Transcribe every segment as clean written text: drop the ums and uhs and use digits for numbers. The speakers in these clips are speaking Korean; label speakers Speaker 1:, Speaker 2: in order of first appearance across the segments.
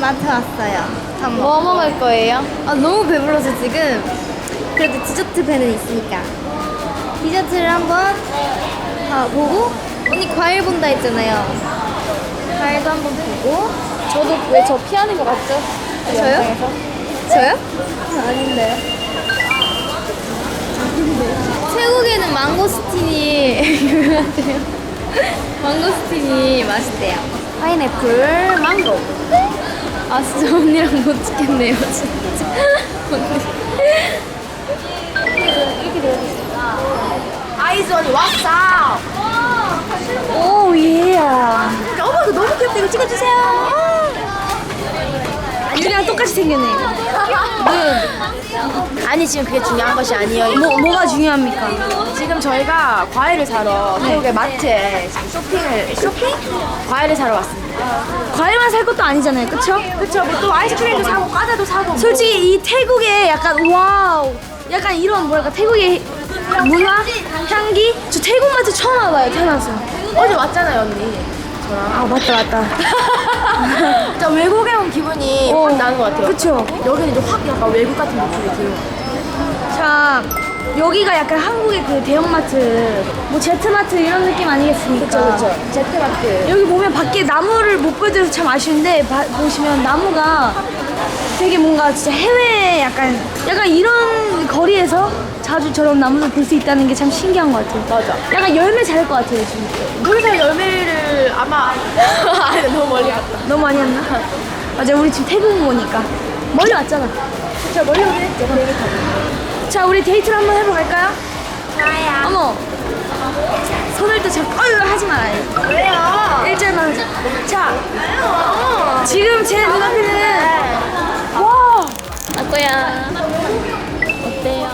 Speaker 1: 마트 왔어요.
Speaker 2: 뭐 먹을 거예요?
Speaker 1: 아 너무 배불러서 지금. 그래도 디저트 배는 있으니까 디저트를 한번 보고, 언니 과일 본다 했잖아요. 과일도 한번 보고.
Speaker 2: 저도 왜 저 피하는 거 같죠? 그
Speaker 1: 저요?
Speaker 2: 영상에서?
Speaker 1: 저요?
Speaker 2: 아닌데요.
Speaker 1: 태국에는 망고스틴이 유명하대요. 망고스틴이 맛있대요.
Speaker 2: 파인애플, 망고.
Speaker 1: 아 진짜 언니랑 못 찍겠네요 진짜.
Speaker 2: 이렇게 되어 있습니다. 아이즈원이 왔어.
Speaker 1: 오 예.
Speaker 2: 어머 이거 너무 귀엽다. 이거 찍어주세요.
Speaker 1: 유리랑 똑같이 생겼네.
Speaker 2: 아니 지금 그게 중요한 것이 아니에요.
Speaker 1: 뭐가 중요합니까?
Speaker 2: 지금 저희가 과일을 사러 태국의 마트에 쇼핑? 과일을 사러 왔습니다.
Speaker 1: 과일만 살 것도 아니잖아요, 그쵸?
Speaker 2: 그쵸? 뭐또 아이스크림도 사고 과자도 사고.
Speaker 1: 솔직히 이 태국의 약간 와우, 약간 이런 뭐랄까 태국의 문화, 향기. 저 태국 마트 처음 와봐요, 태어나서.
Speaker 2: 어제 왔잖아요 언니. 저랑.
Speaker 1: 아 맞다.
Speaker 2: 진짜 외국에 온 기분이
Speaker 1: 어,
Speaker 2: 확 나는 것 같아요.
Speaker 1: 그쵸?
Speaker 2: 여기는 이제 확 약간 외국 같은 느낌이 들어요.
Speaker 1: 자, 여기가 약간 한국의 그 대형마트, 뭐 제트마트 이런 느낌 아니겠습니까?
Speaker 2: 그쵸. 제트마트.
Speaker 1: 여기 보면 밖에 나무를 못 보여드려서 참 아쉬운데 보시면 나무가 되게 뭔가 진짜 해외 약간 이런 거리에서 자주 저런 나무를 볼 수 있다는 게 참 신기한 것 같아요.
Speaker 2: 맞아.
Speaker 1: 약간 열매 잘 것 같아요 지금.
Speaker 2: 그래서 열매를 아마 아니 너무 멀리 갔다.
Speaker 1: 너무 많이 왔나? 맞아, 우리 지금 태국 오니까 멀리 왔잖아.
Speaker 2: 저 멀리 오긴 했죠. 비행기 타고.
Speaker 1: 자, 우리 데이트를 한번 해보러 갈까요?
Speaker 2: 좋아요.
Speaker 1: 어머, 손을 또 잡고 하지 말아요.
Speaker 2: 왜요?
Speaker 1: 일절만 하자. 자,
Speaker 2: 왜요?
Speaker 1: 지금 제 눈앞에는 와,
Speaker 2: 아꼬야. 어때요?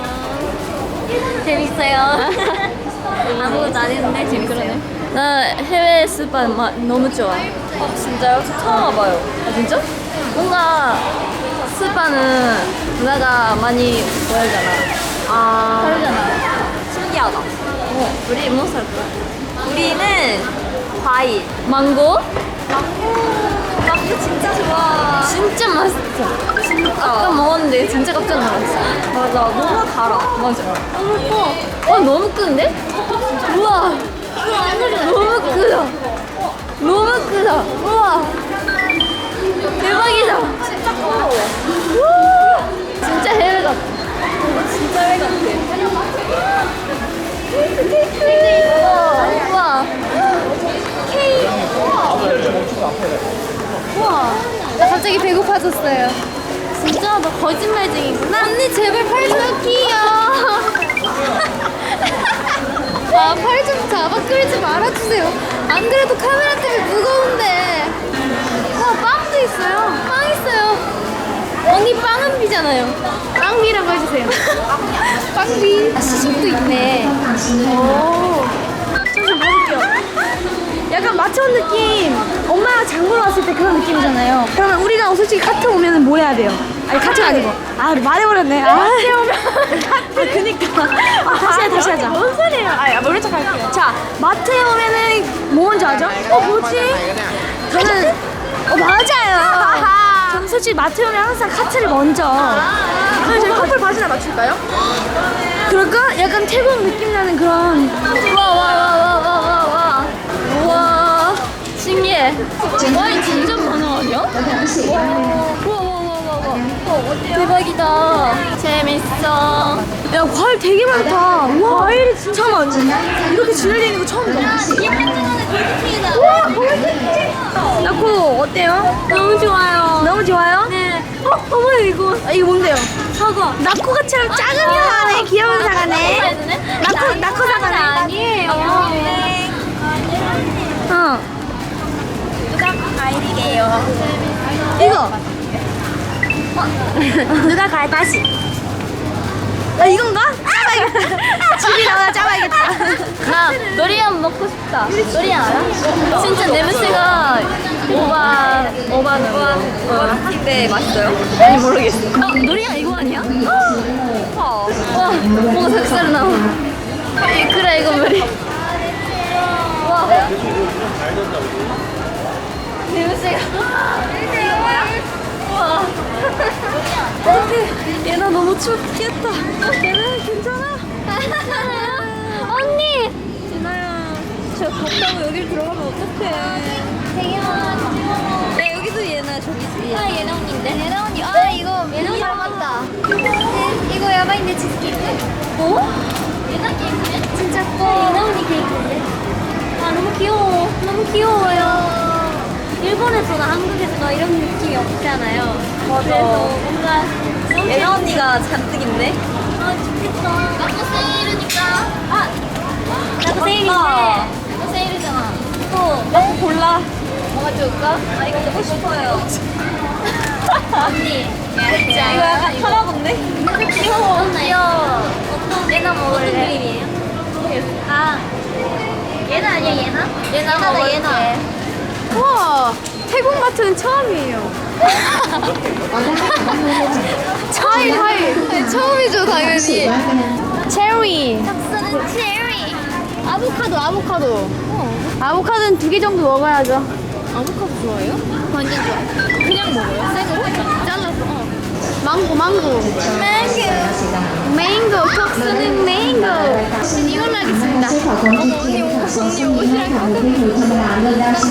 Speaker 2: 재밌어요. 아무것도 안 했는데 재밌어요.
Speaker 3: 나 해외 스파 너무 좋아. 진짜요? 저 처음 와봐요.
Speaker 2: 아 진짜?
Speaker 3: 뭔가 스파는 문화가 많이 보여잖아.
Speaker 2: 아
Speaker 3: 다르잖아.
Speaker 2: 신기하다.
Speaker 3: 우리 뭐 살 거야?
Speaker 2: 우리는 과일.
Speaker 3: 망고?
Speaker 2: 망고 진짜 좋아.
Speaker 3: 진짜 맛있어. 진짜. 아까 먹었는데 진짜 깜짝 놀랐어.
Speaker 2: 맞아. 너무 달아.
Speaker 3: 맞아. 너무 커. 너무 큰데? 우와. 너무 크다. 너무 크다. 우와. 대박이다.
Speaker 2: 진짜 커.
Speaker 3: 진짜 해외 같아.
Speaker 2: 진짜 해 같아.
Speaker 3: 우와. 케이크.
Speaker 1: 우와, 나 갑자기 배고파졌어요.
Speaker 3: 진짜 너 거짓말쟁이구나.
Speaker 1: 언니 제발 팔 좀 끼요. 아, 팔 좀 잡아 끌지 말아주세요. 안 그래도 카메라 때문에 무거운데. 와, 빵도 있어요. 빵 있어요. 언니 빵은 비잖아요. 빵비라고 해주세요. 빵비. 아, 시식도 있네. 오. 좀 먹을게요. 약간 마트 온 느낌. 엄마가 장보러 왔을 때 그런 느낌이잖아요. 그러면 우리가 솔직히 카트 오면은 뭐 해야 돼요? 아니 카트가 아니고. 아, 말해버렸네. 마트 오면 카트. 그니까. 다시 하자.
Speaker 2: 뭔 소리예요? 아 모른 척 할게요.
Speaker 1: 자, 마트에 오면은 뭐 먼저 하죠? 뭐지? 저는 맞아요. 저는 솔직히 마트에 오면 항상 카트를 먼저.
Speaker 2: 그럼 저희 커플 바지나 맞출까요?
Speaker 1: 그럴까? 약간 태국 느낌 나는 그런.
Speaker 3: 와. 우와. 신기해. 와인 진짜 많아 아니야? 우와. 대박이다. 재밌어.
Speaker 1: 야, 과일 되게 많다. 와, 과일이 진짜 많아. 이렇게 진열되어 있는 거 처음 봐. 우와, 골드. 나코 어때요?
Speaker 3: 너무 좋아요.
Speaker 1: 너무 좋아요?
Speaker 3: 네.
Speaker 1: 어머 이거. 이거 뭔데요?
Speaker 3: 사과.
Speaker 1: 나코가처럼 작은 사과네. 귀여운 사과네. 나코 사과네.
Speaker 3: 아니에요.
Speaker 1: 어.
Speaker 2: 누가 과일이게요?
Speaker 1: 이거.
Speaker 2: 누가 과일 다시?
Speaker 1: 아, 이건가? 짜봐야겠다. 집이 나와 짜봐야겠다.
Speaker 3: 나 노리안 먹고 싶다. 노리안 알아? 진짜 냄새가 오바는데 맛있어요? 아니 모르겠어. 노리안 이거 아니야? 와 뭔가 색깔 나와. 그래 이거 뭐리. 와 냄새가. 이거 뭐야? 와. 얘나 너무 춥겠다. 얘나 괜찮아?
Speaker 1: 언니!
Speaker 3: 진아야, 저 덥다고 여길 들어가면 어떡해?
Speaker 1: 되게 많아.
Speaker 3: 야, 여기도 얘나 저기 있어.
Speaker 1: 아, 예나 언니인데? 예나 언니. 아, 이거 예나 언니 닮았다. 이거 야바인데 치즈케이크. 어? 예나 케이크네? 진짜 커. 예나 언니 케이크인데? 아, 너무 귀여워. 너무 귀여워요. 일본에서나 한국에서나 이런 느낌이 없잖아요.
Speaker 3: 맞아.
Speaker 1: 그래서 뭔가 너무
Speaker 3: 얘나 언니가 잔뜩 있네.
Speaker 1: 아, 좋겠다. 나도 세일이니까. 아! 나도
Speaker 3: 맞다.
Speaker 1: 세일인데. 나도 세일이잖아. 또.
Speaker 3: 나도 골라.
Speaker 1: 뭐가 좋을까?
Speaker 3: 아, 이거 먹고 싶어요.
Speaker 1: 언니.
Speaker 3: 이거 약간 타라건데?
Speaker 1: 귀여워. 귀여워. 어떤 내가 먹을래? 어떤 그림이에요? 아. 얘나 아니야, 얘나? 얘나다,
Speaker 3: 먹을게.
Speaker 1: 얘나.
Speaker 2: 우와, 태국 마트는 처음이에요. 하이. 처음이죠, 당연히. 체리.
Speaker 1: caps는 체리.
Speaker 2: 아보카도. 아보카도는 2개 정도 먹어야죠.
Speaker 1: 아보카도 좋아해요? 완전 좋아. 그냥 먹어요? 생으로? 잘라서.
Speaker 2: 망고. 맹고, 톡스는 맹고. 이걸로 하겠습니다.
Speaker 1: 언니 옷이랑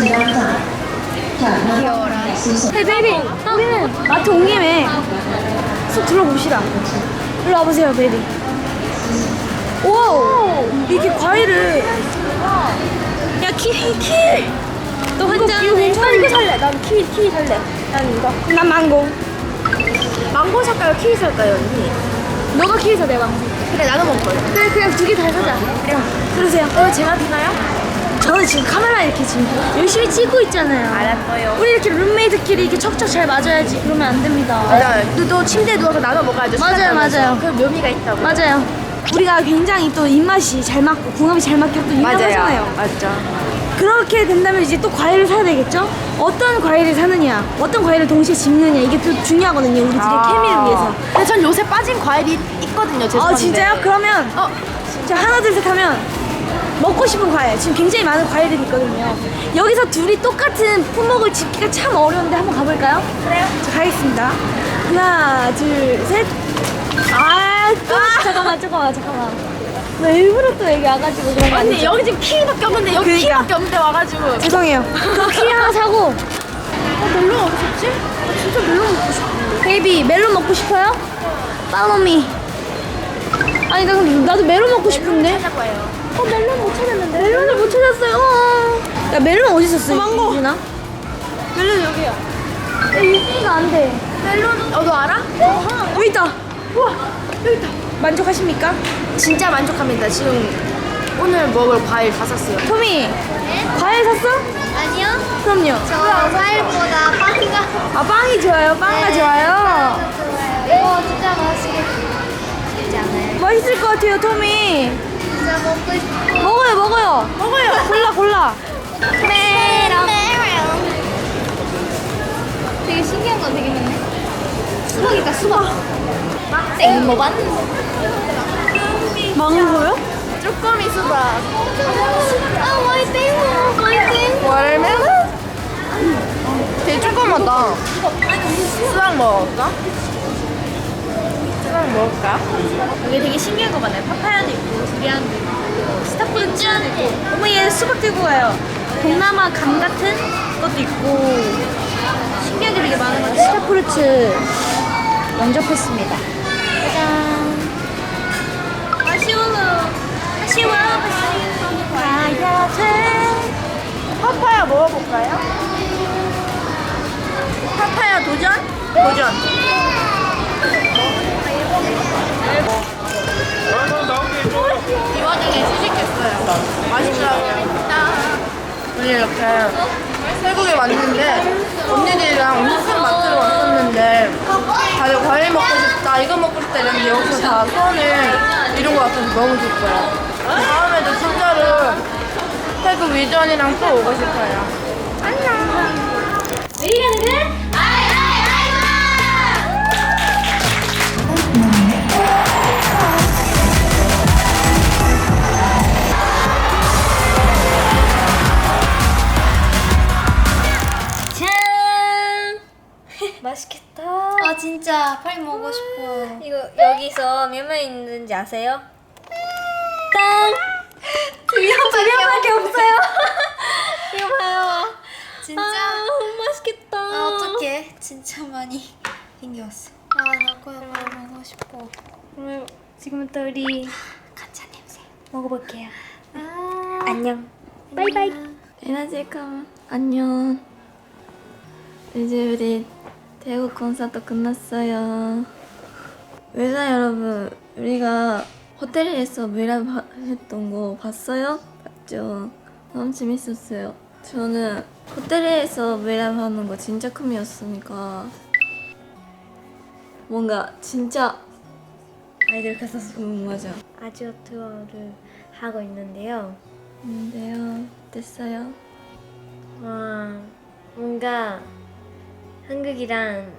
Speaker 2: 헤이 베이비, 우리는 마트 온 김에 쑥 둘러봅시다. 일로 와보세요, 베이비. 오, 이렇게 과일을. 야, 키위. 너 혼자. 이거 괜찮아. 이거 살래. 난 키위 살래. 난 이거. 난 망고. 망고 살까요? 키위 살까요, 언니? 너가 키위 사, 내가 망고. 그래, 나도 먹을 거야. 그래, 그냥 2개 다 사자. 그래요. 그러세요. 제가 되나요? 저는 지금 카메라 이렇게 지금 열심히 찍고 있잖아요.
Speaker 3: 알았어요.
Speaker 2: 우리 이렇게 룸메이트끼리 이렇게 척척 잘 맞아야지. 그러면 안 됩니다.
Speaker 4: 맞아요. 또 침대에 누워서 나눠 먹어야죠.
Speaker 2: 맞아요.
Speaker 4: 그럼 묘미가 있다고.
Speaker 2: 맞아요. 우리가 굉장히 또 입맛이 잘 맞고 궁합이 잘 맞게 또 유명하잖아요.
Speaker 4: 맞죠.
Speaker 2: 그렇게 된다면 이제 또 과일을 사야 되겠죠? 어떤 과일을 사느냐, 어떤 과일을 동시에 집느냐 이게 또 중요하거든요. 우리들의 케미를 위해서.
Speaker 4: 근데 전 요새 빠진 과일이 있거든요. 죄송한데.
Speaker 2: 아 진짜요? 그러면 자 하나 둘 셋 하면 먹고 싶은 과일 지금 굉장히 많은 과일들이 있거든요. 여기서 둘이 똑같은 품목을 집기가 참 어려운데 한번 가볼까요? 그래요. 자 가겠습니다. 하나 둘 셋. 잠깐만. 나 일부러 또 여기 와가지고 그런 거
Speaker 4: 언니
Speaker 2: 아니죠?
Speaker 4: 여기 지금 키위밖에 없는데 여기
Speaker 2: 그러니까.
Speaker 4: 키위밖에 없는데 와가지고.
Speaker 2: 죄송해요. 그럼 키위 하나 사고.
Speaker 4: 멜론 어디 있지? 진짜 멜론 먹고 싶어.
Speaker 2: 베이비 멜론 먹고 싶어요? 빠노미. 아니 나도 멜론 먹고 싶은데.
Speaker 4: 찾을 거예요.
Speaker 2: 멜론 못 찾았는데. 멜론을 못 찾았어요. 야 멜론 어디 있었어?
Speaker 4: 망고.
Speaker 2: 유진아?
Speaker 4: 멜론 여기요.
Speaker 2: 야 유진이가 안 돼.
Speaker 4: 멜론 너 알아?
Speaker 2: 여기 있다. 우와 여기 있다. 만족하십니까?
Speaker 4: 진짜 만족합니다. 지금 오늘 먹을 과일 다 샀어요.
Speaker 2: 토미. 과일 샀어?
Speaker 1: 아니요.
Speaker 2: 그럼요.
Speaker 1: 저 과일보다 빵가
Speaker 2: 아 빵이 좋아요. 빵가 좋아요.
Speaker 1: 이거 진짜 맛있겠지 않아요?
Speaker 2: 맛있을 것 같아요 토미.
Speaker 1: 진짜 먹고 싶어.
Speaker 2: 먹어요. 골라.
Speaker 1: 메롱. 되게 신기한 거 되게 많네. 수박이다, 수박. 생모반.
Speaker 2: 망고요?
Speaker 4: 쭈꾸미 수박.
Speaker 1: 아, 화이팅!
Speaker 4: 월멜론? 되게 조그맣다. 수박 먹을까? 수박 먹을까?
Speaker 2: 여기 되게 신기한 거 많아요. 파파야도 있고, 두리안도 있고, 스타프루츠도 있고. 어머 얘 수박 들고 가요. 동남아 감 같은 것도 있고 신기한 게 되게 많은 것 같아요. 스타프루츠 영접했습니다. 짜잔. 아쉬워. 가야 돼.
Speaker 4: 파파야 먹어볼까요? 파파야 도전? 도전. 이 와중에 시식했어요. 맛있더라고요. 우리 이렇게 태국에 왔는데 언니들이랑 엄청 큰 마트를 왔었는데 다들 과일 먹고 싶다, 이거 먹고 싶다 이랬는데 여기서 다 소원을 이루고 왔어서 너무 좋고요. 다음에도 진짜로 태국 위전이랑 또 오고 싶어요.
Speaker 1: 왜 이러는 거야?
Speaker 3: 짠. 맛있겠다.
Speaker 2: 몇명 있는지 아세요?
Speaker 3: 두 명밖에 없어요.
Speaker 2: 이거 봐요.
Speaker 1: 진짜
Speaker 2: 맛있겠다.
Speaker 1: 어떡해. 진짜 많이 생겼어. 나 그거 먹고 싶어.
Speaker 2: 그러면 지금부터 우리
Speaker 1: 간장 냄새.
Speaker 2: 먹어볼게요.
Speaker 1: 아,
Speaker 2: 안녕. 바이바이.
Speaker 3: 에너지감 안녕. 이제 우리 대구 콘서트 끝났어요. 외자 여러분, 우리가 호텔에서 브이라이브 했던 거 봤어요? 봤죠? 너무 재밌었어요. 저는 호텔에서 브이라이브 하는 거 진짜 꿈이었으니까 뭔가 진짜
Speaker 2: 아이들 가서
Speaker 3: 맞아.
Speaker 2: 아지오 투어를 하고 있는데요.
Speaker 3: 근데요, 됐어요.
Speaker 2: 와, 뭔가 한국이랑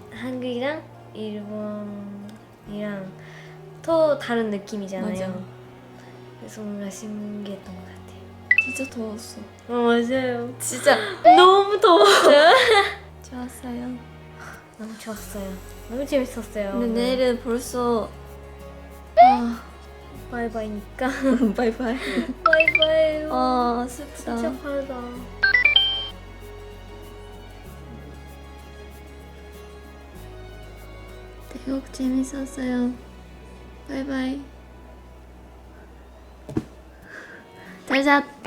Speaker 2: 일본이랑 또 다른 느낌이잖아요.
Speaker 3: 맞아.
Speaker 2: 그래서 뭔가 신기했던 것 같아요.
Speaker 3: 진짜 더웠어.
Speaker 2: 맞아요.
Speaker 3: 진짜
Speaker 2: 너무 더웠어요.
Speaker 3: 좋았어요.
Speaker 2: 너무 좋았어요. 너무 재밌었어요.
Speaker 3: 근데 내일은 벌써
Speaker 2: 바이바이니까.
Speaker 3: 바이바이.
Speaker 2: 바이바이.
Speaker 3: 슬프다.
Speaker 2: 진짜 빠르다.
Speaker 3: 대국 재밌었어요. 바이바이. 잘 잤.